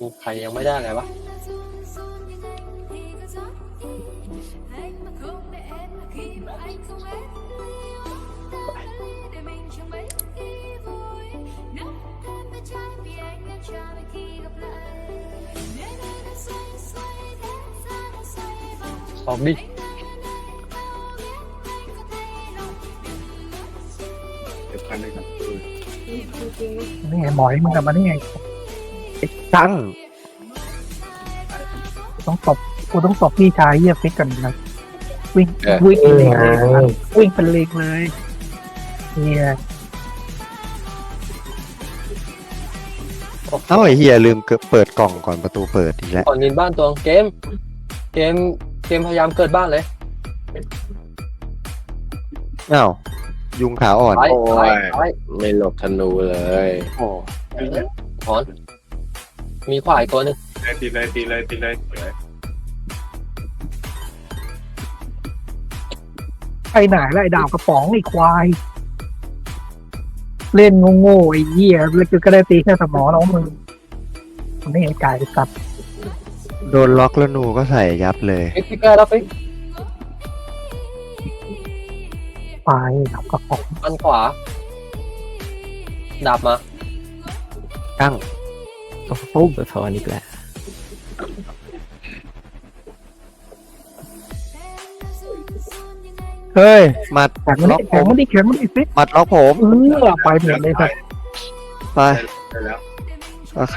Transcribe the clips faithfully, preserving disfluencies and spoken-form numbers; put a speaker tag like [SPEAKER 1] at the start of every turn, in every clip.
[SPEAKER 1] ใครยังไม่ได้เลยวะออกดิ
[SPEAKER 2] นี่ไงหมอยมึงกลับมาได้ไง
[SPEAKER 3] ตั้ง
[SPEAKER 2] ต้องตบกูต้องตบพี่ชายเยียบฟิกกันนะวิ่งวิ่งเป็นเลงเลยวิ่งเป็นเลงเลยเนี่ย
[SPEAKER 3] เอ้าไอ้เฮียลืมเปิดกล่องก่อนประตูเปิดอีกแล้ว
[SPEAKER 1] ก่อนนินบ้านตัวเกมเกมเกมพยายามเกิดบ้านเลย
[SPEAKER 3] อ้าวยุงขาอ่อน
[SPEAKER 1] ไป
[SPEAKER 4] โอ้
[SPEAKER 1] ไป
[SPEAKER 4] ย
[SPEAKER 1] ไป
[SPEAKER 4] ไม่หลบธนูเลย
[SPEAKER 3] โอ้
[SPEAKER 1] ถอนมีขวายตัวหนึง
[SPEAKER 4] ตีเลยตีเลยตีเลยตีเลย
[SPEAKER 2] ไอ้ไหนแล้วไอ้ดาวกระป๋องไอ้ควาย เล่นโง่ๆไอ้เหี้ยแล้วก็ได้ตีแค่สมองแล้วมึงมันไม่เห็นไก่สัตว์
[SPEAKER 3] โดนล็อกแล้วหนูก็ใส่ยับเลย
[SPEAKER 1] ฟิกฟิกแก้แล้วฟิก
[SPEAKER 2] ไปดาวกระป๋อง
[SPEAKER 1] อันขวาดาบมา
[SPEAKER 3] ตั้ง
[SPEAKER 5] ปุ๊บสะท้อนอีกแล้ว
[SPEAKER 3] เฮ้ยหมัด
[SPEAKER 2] แข็งมัน
[SPEAKER 3] ล็อก
[SPEAKER 2] ดิ
[SPEAKER 3] ผ
[SPEAKER 2] แข็ง
[SPEAKER 3] ม
[SPEAKER 2] มันดิแข็งมันดิฟิก
[SPEAKER 3] หมัดล็อกผม
[SPEAKER 2] เออไปหมดเลยสัตว์
[SPEAKER 3] ไป
[SPEAKER 4] ได้แล้ว
[SPEAKER 3] โอเค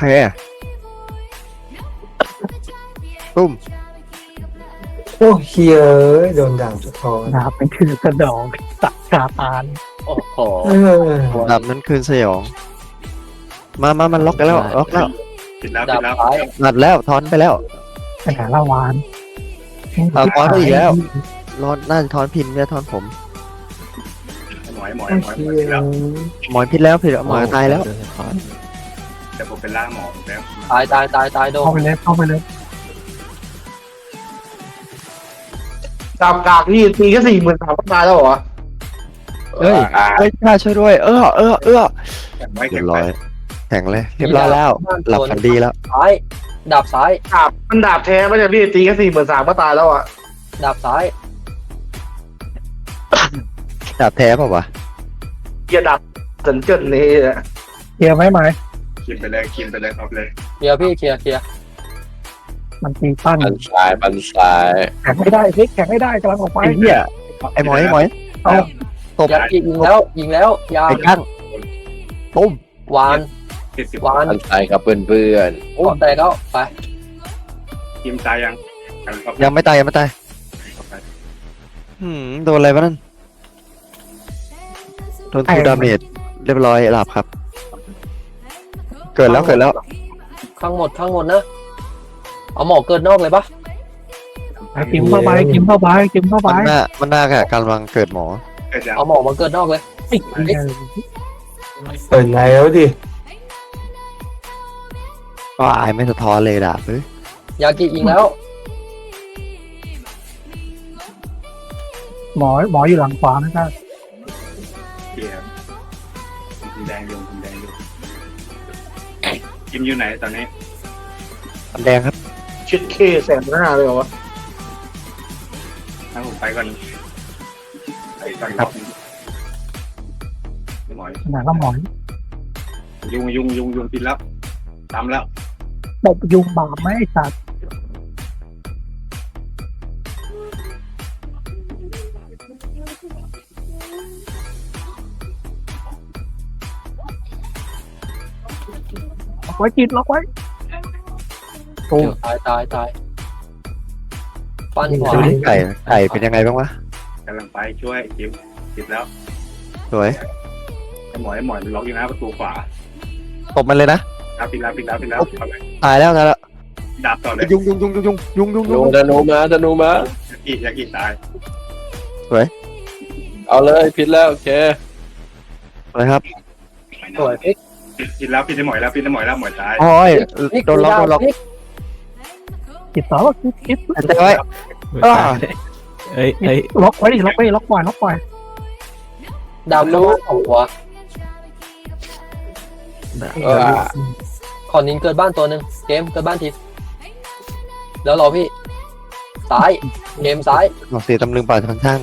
[SPEAKER 3] ตุ้ม
[SPEAKER 6] โอ้เฮียเอ้ยโดนด่างสะท้อน
[SPEAKER 2] ดาบเป็นคือกระดองตัดขาตาน
[SPEAKER 1] โอ้โห
[SPEAKER 6] เออ
[SPEAKER 3] ดับนั้นคืนสยอง มามามันล็อกกันแล้วล็อกแล้ว
[SPEAKER 4] ปิดแล้ว
[SPEAKER 1] ดา
[SPEAKER 4] ปิ
[SPEAKER 1] บ
[SPEAKER 4] ดแล้ว
[SPEAKER 1] ซ้าย
[SPEAKER 3] หมัดแล้วทอนไปแล้ว
[SPEAKER 2] ไปหาละวาน
[SPEAKER 3] เอาทอนไปอีกแล้ว รอนน่าจะทอนพินไม่ใช่ทอนผม
[SPEAKER 4] หมอยหมอย
[SPEAKER 6] โอ้
[SPEAKER 4] หมอย
[SPEAKER 6] เฮี
[SPEAKER 4] หมอย
[SPEAKER 6] ย
[SPEAKER 4] ปิดแล้ว
[SPEAKER 3] หมอยพิษแล้วผิดแล้วหมอยตายแล้ว
[SPEAKER 5] โดนสะท้อน
[SPEAKER 4] แต่ผมเป็นล่างหมอแล้ว
[SPEAKER 1] ตายตายตายตายโดน
[SPEAKER 2] เข้าไปเลยเข้าไปเลย
[SPEAKER 6] ดาวกากนี่ตีแค่สี่หมื่นสามพันตายแล้วเหรอ
[SPEAKER 3] เฮ้ยเฮ้ยข้าช่วยด้วย เออเออเออ
[SPEAKER 4] แข็งไว้
[SPEAKER 3] เรี
[SPEAKER 4] แข็
[SPEAKER 3] ย
[SPEAKER 4] ง
[SPEAKER 3] บร้
[SPEAKER 4] ไว้
[SPEAKER 3] อยแข็งเลยเรียบร้อยแล้ว หลับฝันดีแล้ว
[SPEAKER 1] ซ้ายดาบซ้าย
[SPEAKER 6] ดาบมันดาบแท้ไม่ใช่พี่ตีแค่สี่หมื่นสามก็ตายแล้วอ่ะ
[SPEAKER 1] ดาบซ้าย
[SPEAKER 3] ดาบแท้เปล่าวะ
[SPEAKER 6] เฮียดาบเจินเจินนี่อะ
[SPEAKER 2] เคลียร์ไหมไหม
[SPEAKER 4] กินไปเลยกินไปเลยครับเลย
[SPEAKER 1] เคลียร์พี่เคลียร์เคลียร์
[SPEAKER 2] มันตีปั้น
[SPEAKER 4] บันซ้ายบันซ้าย
[SPEAKER 2] แข็งไม่ได้ฟิกแข็งไม่ได้กำลังออกไป
[SPEAKER 3] ไอ้เหี้ยไอ้หมอยไอ้หมอย
[SPEAKER 2] เอา
[SPEAKER 3] ตบ
[SPEAKER 1] ยากิยิงแล้วยิงแล้วยา
[SPEAKER 3] ไอ้กั้งตุ้ม
[SPEAKER 1] วาน
[SPEAKER 4] ติดสิบ
[SPEAKER 1] วาน
[SPEAKER 4] บันซ้ายครับเพื่อนเพื่อน
[SPEAKER 1] โอ้แตกแล้วไป
[SPEAKER 4] ทีมตายยังครับ
[SPEAKER 3] ยังไม่ตายยังไม่ตายหืมโดนอะไรวะนั่นโดนทูดาเมจเรียบร้อยหลับครับ เกิดแล้วเกิดแล้ว
[SPEAKER 1] ข้างหมดข้างหมดนะเอาหมอเกินนอกเลยปะ
[SPEAKER 2] ไปกิมเข้าไปกิมเข้าไปกิมเข้าไป
[SPEAKER 3] มันน่ามันน่ากะกำลังเกิดหมอ
[SPEAKER 4] เกิดยัง
[SPEAKER 1] เอาหมอมาเกินนอกเลย
[SPEAKER 2] ไอ้เหี้ย
[SPEAKER 6] เปิดไงแล้วดิ
[SPEAKER 3] ก็อายไม่สะท้อนเลยดาบเฮ้ย
[SPEAKER 1] ยากิยิงแล้ว
[SPEAKER 2] หมอหมออยู่หลังขวานะครับ
[SPEAKER 4] เกียร์ทีมแดงอยู่ทีมแดงอยู่ทีมอยู่ไหนตอนนี้
[SPEAKER 3] อันแดงครับ
[SPEAKER 6] ชิดเคแสนหน้าเลยเหรอวะ
[SPEAKER 4] ถ้าผมไปก่อนไปก่อนครับหมอย
[SPEAKER 2] ไหนละหมอ
[SPEAKER 4] ยุงยุงยุงยุงปิดแล้วตามแล้ว
[SPEAKER 2] ตบยุงบาปไหมไอ้สัตว์ล็อกไว้กินล็อกไว้
[SPEAKER 1] ตายตายตายปั้นขวา
[SPEAKER 3] ดูนี่ไก่ไก่เป็นยังไงบ้างวะ
[SPEAKER 4] กำลังไปช่วยจิบจิบแล้ว
[SPEAKER 3] สวย
[SPEAKER 4] ไอ้หมอยไอ้หมอยมันล็อกอยู่หน้าประตูขวา
[SPEAKER 3] ตบมันเลยนะ
[SPEAKER 4] ครับปิดแล้วปิดแล้วปิดแล้วเอาเลย
[SPEAKER 3] ตายแล้วตายแล้ว
[SPEAKER 4] ดาบต่อเลย
[SPEAKER 3] ยุงยุงยุงยุงยุงยุงยุงยุง
[SPEAKER 4] ธนูมาธนูมาอีกอยากอีกตาย
[SPEAKER 3] สวย
[SPEAKER 4] เอาเลยผิดแล้วโอเค
[SPEAKER 3] อะไรครับ
[SPEAKER 1] สวยฟิก
[SPEAKER 4] ผิดผิดแล้วผิดได้หมอยแล้วผิดได้หมอยแล้วหมอยตาย
[SPEAKER 3] โอ้ย
[SPEAKER 1] ฟิก
[SPEAKER 3] โดนล็อกโดนล็อก
[SPEAKER 1] ฟิก
[SPEAKER 2] กิดต่อกิดกิด
[SPEAKER 3] อันเดียวไว้ อ่า
[SPEAKER 5] เอ้ยเอ้ย
[SPEAKER 2] ล็อกไว้ดิล็อกไว้ล็อกปล่อยล็อกปล่อย
[SPEAKER 1] ดาบรู้ของหัว
[SPEAKER 4] เออ
[SPEAKER 1] ขอนินเกิดบ้านตัวหนึ่งเกมเกิดบ้านทีแล้วรอพี่ซ้ายเกมซ้าย
[SPEAKER 3] ออกเสียตำลึงป่าทางช่าง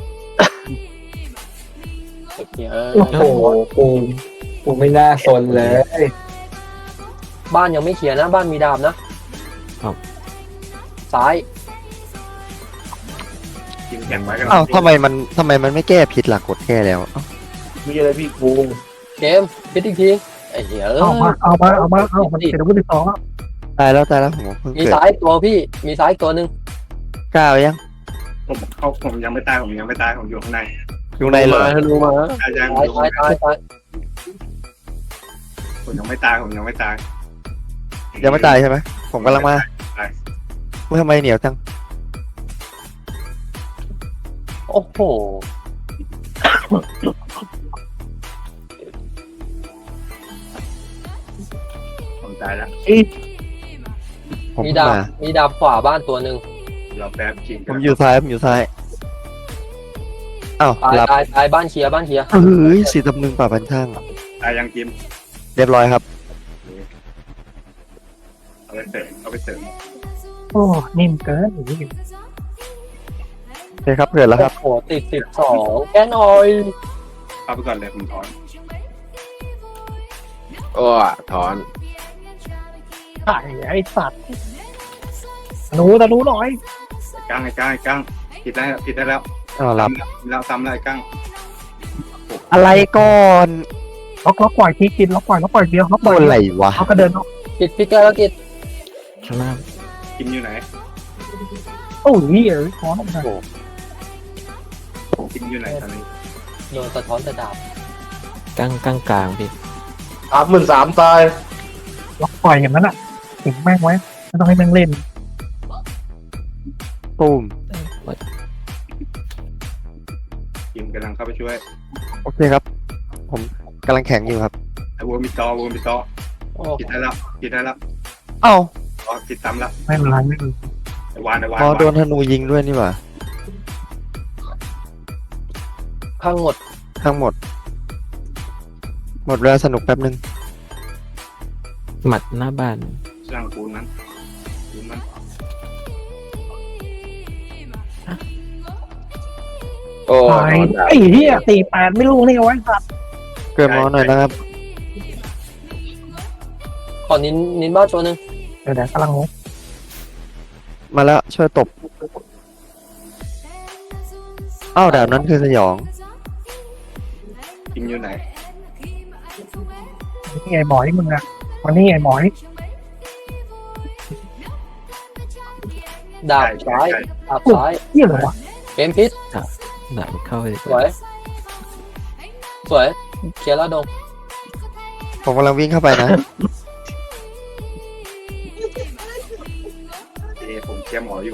[SPEAKER 1] เออ
[SPEAKER 2] โอ้โห
[SPEAKER 7] กูกูไม่น่าสนเลย
[SPEAKER 1] บ้านยังไม่เคลียร์นะบ้านมีดาบนะซ้าย
[SPEAKER 4] กินแข่งไว้กัน
[SPEAKER 3] อ้าวทำไมมันทำไมมันไม่แก้ผิดหลักกดแก้แล้วเอ้า
[SPEAKER 6] มีอะไรพี่กู
[SPEAKER 1] เกมพิดอีกทีไอ้เหี้ยเอ
[SPEAKER 2] เอามา
[SPEAKER 1] อ
[SPEAKER 2] เอามาเอามาเอามันเป็นอาวุธที่สองแล้ว
[SPEAKER 3] ตายแล้วตายแล้วผมเพิ่ง
[SPEAKER 1] มี
[SPEAKER 3] เกิด
[SPEAKER 1] ซ้ายตัวพี่มีซ้ายตัวหนึ่ง
[SPEAKER 3] กล้าวยัง
[SPEAKER 4] ผมเขาผมยังไม่ตายผมยังไม่ตายผมอยู่ข้างใน
[SPEAKER 3] อยู่ในเหรอ
[SPEAKER 1] มาดูมา
[SPEAKER 4] ตายยัง
[SPEAKER 1] ซ้ายซ้ายซ้ายซ้าย
[SPEAKER 4] ผมยังไม่ตายผมยังไม่ตาย
[SPEAKER 3] ยังไม่ตายใช่ไหมผมกำลังมา
[SPEAKER 4] ตาย
[SPEAKER 3] ว่าทำไมเหนียวจัง
[SPEAKER 1] โอ้โห
[SPEAKER 4] ผมตายแล้ว
[SPEAKER 3] ผม
[SPEAKER 1] มี
[SPEAKER 3] เพิ่ง
[SPEAKER 1] ดาบ
[SPEAKER 3] มา
[SPEAKER 1] มีดาบขวาบ้านตัวหนึ่ง
[SPEAKER 4] รอแป๊บกิน
[SPEAKER 3] ผมอยู่ซ้ายผมอยู่ซ้ายอ้าว
[SPEAKER 1] ตาย
[SPEAKER 3] หลับ
[SPEAKER 1] ตายตายบ้านเคลียร์บ้านเคลียร์
[SPEAKER 3] เฮ้ยสีตำลึงป่าพันช่าง
[SPEAKER 4] ตายยังกิน
[SPEAKER 3] เรียบร้อยครับ
[SPEAKER 4] เอาไปเสริมเอาไปเสริม
[SPEAKER 2] โอ้นิ่มเกินอย่างนี้
[SPEAKER 3] โอเคครับเกิดแล้วครับ
[SPEAKER 1] โอ้โหติดสิบสองแกนออย
[SPEAKER 4] เข้าไปก่อนเลยผมถอน
[SPEAKER 6] โอ้ถอน
[SPEAKER 2] ไอ้ไอ้สัตว์หนูตะนูหน่อย
[SPEAKER 4] ไอ้กั้งไอ้กั้งไอ้กั้งผิดได้ผิดได้แล้ว
[SPEAKER 3] อ้าวหลับ
[SPEAKER 4] แล้วซ้ำแล้วไอ้กั้ง
[SPEAKER 3] อะไรก่อน
[SPEAKER 2] ล็อกล็อกปล่อยทีกินล็อกปล่อยล็อกปล่อยเดียวล็อกป
[SPEAKER 3] โด
[SPEAKER 2] ล่อย
[SPEAKER 3] นอะไรวะ
[SPEAKER 2] เขาก็เดินออก
[SPEAKER 1] กิดพิกแกแล้วกิด
[SPEAKER 5] ข้างล่าง
[SPEAKER 4] กินอยู่ไหน
[SPEAKER 2] โอ้ยเอ้ยถอนออกมา
[SPEAKER 4] กินอยู่ไหนตอนนี้
[SPEAKER 1] โดนสะท้อนแต่ดาบ
[SPEAKER 5] กลางกลางกลางพี่
[SPEAKER 6] สามหมื่นสามตาย
[SPEAKER 2] ล็อกปล่อยอย่างนั้นอ่ะถึงแม่งไว้ไม่ต้องให้แม่งเล่น
[SPEAKER 3] ตูม
[SPEAKER 4] กินกำลังเข้าไปช่วย
[SPEAKER 3] โอเคครับ ผมกำลังแข็งอยู่ครับ
[SPEAKER 4] ไอ้วัวมีตอวัวมีตอ
[SPEAKER 1] โอ้
[SPEAKER 4] ผิดได้แล้วผิดได้แล้ว
[SPEAKER 3] เอ้า
[SPEAKER 4] อ๋อผิดซ้ำแล้ว
[SPEAKER 2] ไม่เป็นไรไม่เป็นไร
[SPEAKER 4] ไอ้วานไอ้วาน
[SPEAKER 3] พอ
[SPEAKER 4] วาน
[SPEAKER 3] โดนธนูยิงด้วยนี่หว่า
[SPEAKER 1] พังหมด
[SPEAKER 3] ทั้งหมด หมดเวลาสนุกแป๊บนึง
[SPEAKER 5] หมัดหน้าบ้าน
[SPEAKER 4] สร้างปูนนั้นปูนนั้น
[SPEAKER 6] โอ้
[SPEAKER 2] ตายไอ้เหี้ยสี่แปดไม่รู้นี่เอาไว้สัตว์
[SPEAKER 3] เกิดหมอหน่อยนะครับ
[SPEAKER 1] ขอนินนินบ้านตัวหนึ่ง
[SPEAKER 2] เดี๋ยวเดี๋ยวกำลังงง
[SPEAKER 3] มาแล้วช่วยตบอ้าวดาบนั้นคือสยอง
[SPEAKER 4] กินอยู่ไหน
[SPEAKER 2] นี่ไอ้หมอยมึงอะวันนี้ไอ้หมอย
[SPEAKER 1] ดาบซ้ายดาบซ้าย
[SPEAKER 2] เหี้ยเหรอวะ
[SPEAKER 1] เกมพิษ
[SPEAKER 5] หนักเข้าไป
[SPEAKER 1] สวยสวยเคลียร์แล้วดง
[SPEAKER 3] ผมกำลังวิ่งเข้าไปนะ
[SPEAKER 4] เอผมเคลียร์หมออยู่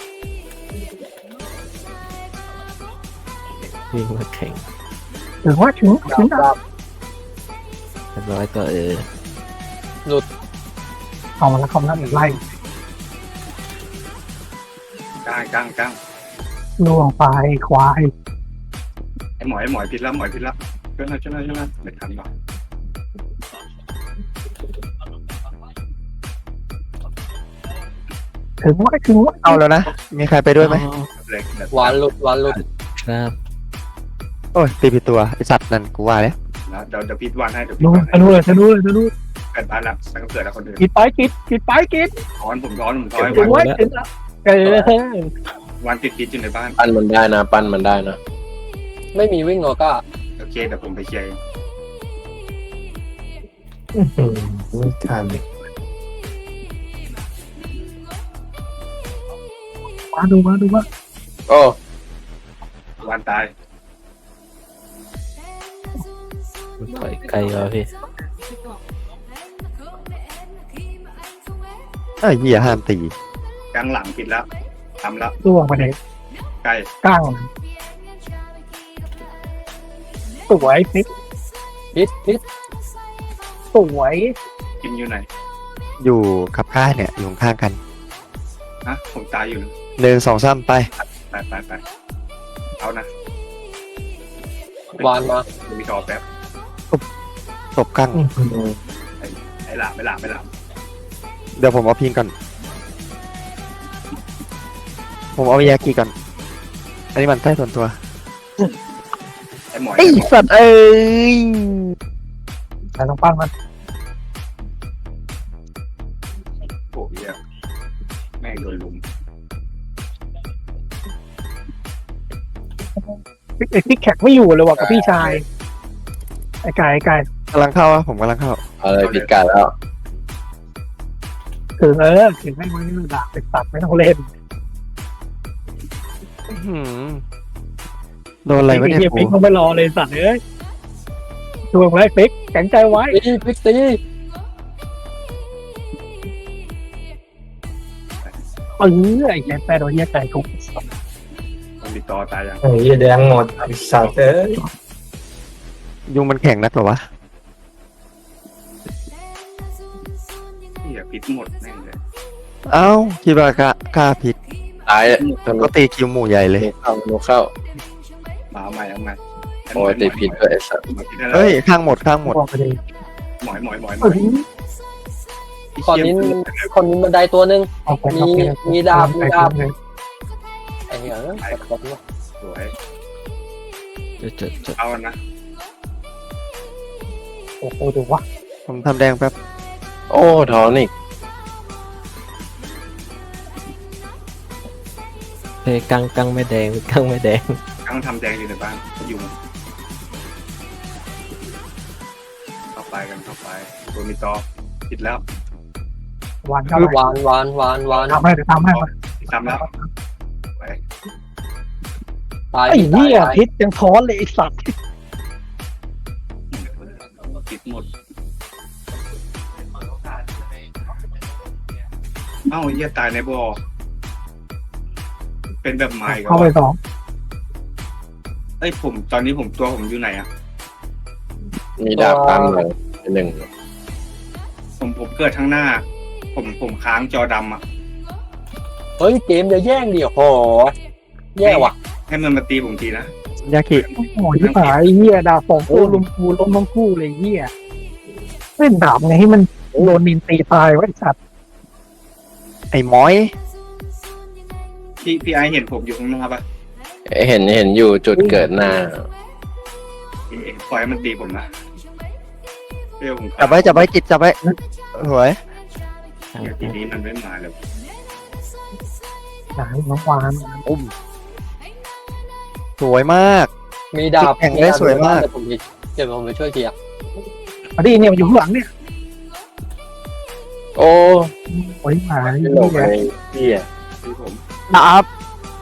[SPEAKER 5] วิ่งมาแข่ง
[SPEAKER 2] ถึงว่าถึง
[SPEAKER 1] ดา
[SPEAKER 2] ถึ
[SPEAKER 1] บ
[SPEAKER 2] ง
[SPEAKER 1] ดาบ
[SPEAKER 5] เรียบร้อยก็เออ
[SPEAKER 2] เอามาแล้วคำนั้นไล่
[SPEAKER 4] กั้งกั้งกั้ง
[SPEAKER 2] ล่วงไปควาย
[SPEAKER 4] ไอ้หมอไอ้หมอผิดแล้วหมอผิดแล้วช่วยหน่อยช่วยหน่อยช่วยหน่อยไม่ทันหรอก
[SPEAKER 2] ถึงว่าถึงว่า
[SPEAKER 3] เอาแล้วนะ มีใครไปด้วยไหม
[SPEAKER 4] เล็กแบบ
[SPEAKER 1] วานหลุดวานหลุด
[SPEAKER 5] ครับ
[SPEAKER 3] โอ้ยตีผิดตัวไอสัตว์นั่นกูว่าแล้ว
[SPEAKER 4] นะเดี๋ยวเดี๋ยวพิดวานให้เดี๋ยวพิ
[SPEAKER 2] ดู
[SPEAKER 4] ดวานให้
[SPEAKER 2] จะดูเลยจะดูเลยจะดู
[SPEAKER 4] เกิดบ้านแล้วตั้งเกิดแล้วคนอื่น
[SPEAKER 2] กิดไปกิดกิดไปกิด
[SPEAKER 4] ถอนผมถอนผมถอน
[SPEAKER 2] ถึงว่าถึงเออ
[SPEAKER 4] วันติดกิดอยู่ในบ้าน
[SPEAKER 6] ปั้นมันได้นะปั้นมันได้นะ
[SPEAKER 1] ไม่มีวิ่งหรอกก้า
[SPEAKER 4] โอเคเดี๋ยวผมไปเคลียร์เอง
[SPEAKER 7] ไม่ทัน
[SPEAKER 2] มาดูมาดูมา
[SPEAKER 6] โอ้
[SPEAKER 4] วันตาย
[SPEAKER 5] ถอยไกลแล้วพี่
[SPEAKER 3] เอ้ยเหี้ยห้ามตี
[SPEAKER 4] กลางหลังผิดแล้วทำแล้ว
[SPEAKER 2] ล่วงไปเลย
[SPEAKER 4] ใกล้
[SPEAKER 2] ก้างสวยพิษ
[SPEAKER 1] พิษพิษ
[SPEAKER 2] สวย
[SPEAKER 4] กินอยู่ไหน
[SPEAKER 3] อยู่กับข้าเนี่ยอยู่ข้างกัน
[SPEAKER 4] ฮะผมตายอยู่นะ
[SPEAKER 3] หนึ่งสองสามไป
[SPEAKER 4] ไปไปไปเอานะ
[SPEAKER 1] วานมา
[SPEAKER 4] มีทอแป๊บ
[SPEAKER 3] ตบกั้ง
[SPEAKER 4] ไอ้ไอ้หลาบไม่หลาบไม่หลาบ
[SPEAKER 3] เดี๋ยวผมเอาพิงก่อน ผมเอายากิก่อน อันนี้มันใต้ส่วนตัว
[SPEAKER 4] ไอ้หมอย
[SPEAKER 3] ไอ้สัตว์เอ้ย
[SPEAKER 2] แต่ต้องปั้นมัน
[SPEAKER 4] โอ้ยเหี้ยแม่งโดนลุม
[SPEAKER 2] ไอ้พี่แขกไม่อยู่เลยว่ะกับพี่ชายไอ้ไก่ไอ้ไก่
[SPEAKER 3] กำลังเข้าอะผมกำลังเข้า
[SPEAKER 1] เอาเลยผิดกันแล้ว
[SPEAKER 2] ถึงเออถึงให้มันด่าไปตัดไม่ต้องเล่น
[SPEAKER 3] อื้อหือโดนอะไรวะเนี่ย
[SPEAKER 2] เฮีย
[SPEAKER 3] กู
[SPEAKER 2] ฟิกต้องไปรอเลยสัตว์เอ้ยช่วยไว้ฟิกแข็งใจไว้
[SPEAKER 1] ตีพิกตี
[SPEAKER 2] เออไอ้แกแปรโดนเฮียไก่ทุก
[SPEAKER 4] มันติดต่อตายยัง
[SPEAKER 7] โอ้ยแดงหมดไอ้สัตว์เอ้ย
[SPEAKER 3] ยุงมันแข็งนักเหรอวะ
[SPEAKER 4] เหี้ยพิษหมดแม่งเลย
[SPEAKER 3] เอ้าคิดว่ากล้ากล้าผิด
[SPEAKER 1] ตายเลยทำ
[SPEAKER 3] ก็ตีคิวหมู่ใหญ่เลย
[SPEAKER 1] เข้าโนเข้า
[SPEAKER 4] มาเอาใหม่เอาใหม่
[SPEAKER 1] โอ้ยตีผิดด้วยไอ้สัตว์
[SPEAKER 3] เฮ้ย ข้างหมดข้างหมด
[SPEAKER 2] บอกไปเลย
[SPEAKER 4] หมอยหมอยหมอยหม
[SPEAKER 2] เอ
[SPEAKER 4] อย
[SPEAKER 2] อ
[SPEAKER 1] ก่อนนี้คนนี้บันไดตัวหนึ่ง
[SPEAKER 2] เอาไป
[SPEAKER 1] มี
[SPEAKER 2] เอาไป
[SPEAKER 1] มีดาบมีดาบ ไอ้เหี้ยเอ้ยกดวะ
[SPEAKER 4] สวย
[SPEAKER 5] จะจะจะ
[SPEAKER 4] เอานะ
[SPEAKER 2] โอ้โหดูวะ
[SPEAKER 3] ผมทำแดงแป๊บ
[SPEAKER 1] โอ้ถอนอีก
[SPEAKER 5] เฮ้ยกังกังไม่แดงกังไม่แดง
[SPEAKER 4] กำลังทำแดงอยู่ในบ้านอยู่เข้าไปกันเข้าไปตัวมีต่อผิดแล้ว
[SPEAKER 2] วานเข้าไป
[SPEAKER 1] วานวานวานวาน
[SPEAKER 2] ทำให้เดี๋ยวทำให้มา
[SPEAKER 4] ทำแล้วไป
[SPEAKER 1] ตาย
[SPEAKER 2] ไอ้เหี้ย
[SPEAKER 1] ตาย
[SPEAKER 2] พิษยังท้อนเลยไอ้สัตว์
[SPEAKER 4] ผิดหมดเอ้าเหี้ยตายในบ่อเป็นแบบใหม่ก็
[SPEAKER 2] เข้าไปสอง
[SPEAKER 4] เอ้ยผมตอนนี้ผมตัวผมอยู่ไหนอะ
[SPEAKER 1] มีดาบตามหลังหนึ่ง
[SPEAKER 4] ผมผมเกิดข้างหน้า ผมผมค้างจอดำอะ
[SPEAKER 1] เฮ้ยเกมจะแย่งดิโหแย่ว่ะ
[SPEAKER 4] ให้มันมาตีผมทีนะ
[SPEAKER 3] ยากิ
[SPEAKER 2] โอ้โหที่หายเหี้ยดาบสองคู่ลุมกูล้มทั้งคู่เลยเหี้ยเล่นดาบไงให้มันโดนนินตีตายไว้ไอ้สัตว์
[SPEAKER 3] ไอ้หมอย
[SPEAKER 4] พี่พี่ไอเห็นผมอยู่ข้างหน้าปะ
[SPEAKER 1] เห็นเห็นอยู่จุดเกิดหน้า
[SPEAKER 4] เอ๊ะปล่อยให้มันตีผมนะเดี๋ยวผม
[SPEAKER 3] จับไว้จับไว้กิดจับไว้สวย
[SPEAKER 4] เดี๋ยวทีนี้มันไม่มาเลย
[SPEAKER 2] หนังน้องวาน
[SPEAKER 3] อุ้ม สวยมาก
[SPEAKER 1] มีดาบ
[SPEAKER 3] แข่งได้สวยมาก
[SPEAKER 1] เดี๋ยวผมไปเดี๋ยวผมไปช่วยเคลียร์
[SPEAKER 2] มาดิเนี่ยมันอยู่ข้างหลังเนี่ย
[SPEAKER 1] โอ้
[SPEAKER 2] โอ้ยหาย
[SPEAKER 1] ไม่
[SPEAKER 2] เหี้
[SPEAKER 1] หลบ
[SPEAKER 2] ย
[SPEAKER 1] เลยพี่อะ
[SPEAKER 4] พี่ผม
[SPEAKER 3] ดาบ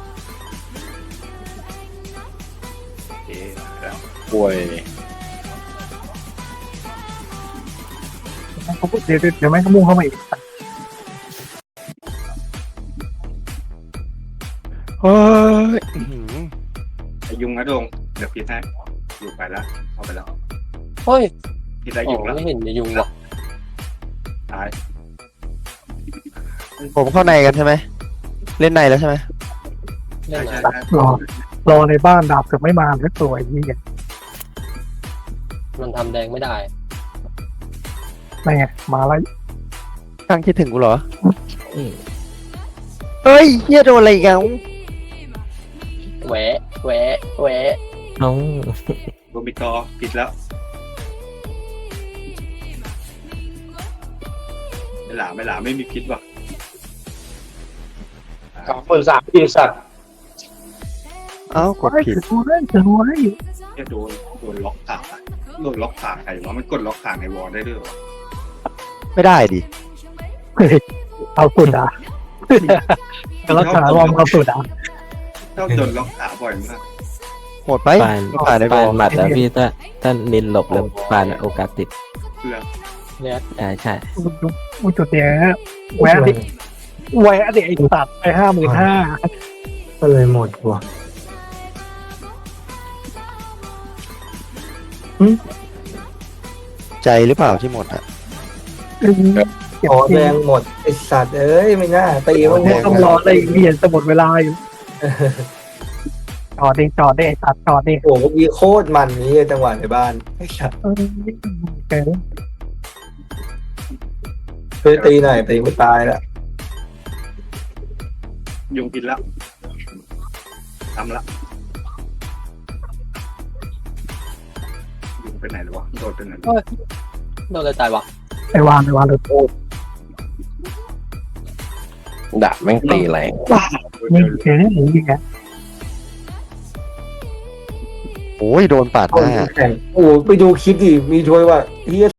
[SPEAKER 4] เอ๊ะแล้ว
[SPEAKER 1] ป่วย
[SPEAKER 2] เขาพูดเดี๋ยวเดี๋ยวไม่เขามุ่งเข้ามาอีก
[SPEAKER 3] เฮ้ยอื้อหือ
[SPEAKER 4] ไอ้ยุงนะโดงเดี๋ยวพี่ให้อยู่ไปแล้วเข้าไปแล้ว
[SPEAKER 1] เฮ้ย
[SPEAKER 4] พี่ได้
[SPEAKER 1] โอ้
[SPEAKER 4] ยุงแล้ว
[SPEAKER 1] ไม่เห็นจะยุงว่ะ
[SPEAKER 4] ตาย
[SPEAKER 3] ผมเข้าในกันใช่ไหม เล่นในแล้วใช่ไหม
[SPEAKER 1] เล่นไหน
[SPEAKER 4] ใช่ใช่
[SPEAKER 2] รอรอในบ้านดาบเกือบไม่มาแล้วตัวไอ้เหี้ย
[SPEAKER 1] มันทำแดงไม่ได้
[SPEAKER 2] ไม่ไงมาแล้ว
[SPEAKER 3] ข้างคิดถึงกูเหรอ
[SPEAKER 5] อืม
[SPEAKER 3] เฮ้ยเฮียโดนอะไรอีกอ่ะ
[SPEAKER 1] แหวะแหวะแหวะ
[SPEAKER 5] เอ้า
[SPEAKER 4] โดมิตอผิดแล้วไม่หลาไม่หลาไม่มีพิษว่ะ
[SPEAKER 6] สองคนสามปีสัตว์
[SPEAKER 3] เอ้ากดผิด
[SPEAKER 2] ถือไว้ถือไว้
[SPEAKER 4] แค่โดนโดนล็อกขาโดนล็อกขาใครวะมันกดล็อกขาในวอลได้ด้วยวะ
[SPEAKER 3] ไม่ได้ดิ
[SPEAKER 2] เฮ้ยเอาสุดอ่ะกรักษารอมเอาสุดอ่ะ
[SPEAKER 4] ชอบโดนล็อกขาบ่อยมาก
[SPEAKER 3] โหดไป
[SPEAKER 5] ปาน
[SPEAKER 3] ไม่ผ่านได้บ
[SPEAKER 5] ปา
[SPEAKER 3] อน ล
[SPEAKER 5] หมัดแล้วพี่ถ้าถ้านินหลบแล้วปานโอกาสติด
[SPEAKER 4] เพื่อ
[SPEAKER 5] อ่าใช่
[SPEAKER 2] อุจุดเนี้ยแหวนดิแหวนดิไอ้สัตว์ไปห้าหมื่นห้า
[SPEAKER 7] ก็เลยหมดว่ะ
[SPEAKER 3] ใจหรือเปล่าที่หมดอ่ะ
[SPEAKER 2] เก็บ
[SPEAKER 7] ขอ
[SPEAKER 2] ที
[SPEAKER 7] แดงหมดไอสัตว์เอ้ยไม่น่าตีมัน
[SPEAKER 2] เนี่ยต้องรออะไรอีกเรียนจะหมดเวลาอยู่จอดดิจอดดิไอ้สัตว์จอดดิ
[SPEAKER 7] โอ้โหมีโคตรมันนี้จังหวะในบ้านไอ้สัตว์
[SPEAKER 2] เออเก๋
[SPEAKER 7] ช่วยตีหน่อยตีไม่ตายแล้ว
[SPEAKER 4] ยุงกินแล้วทำละยุงไปไหนหรอวะโดดไปไหน
[SPEAKER 1] โดนอะไรตายวะ
[SPEAKER 2] ไอวานไอวานเลยโอ้
[SPEAKER 3] ดาบแม่งตีแรง
[SPEAKER 2] นี่เจ๋งหรือยังไง
[SPEAKER 3] โอ้ยโดนปาดห
[SPEAKER 7] เอา
[SPEAKER 3] น้า
[SPEAKER 7] แข่งโอ้โหไปดูคลิปดิมีช่วยว่าเฮีย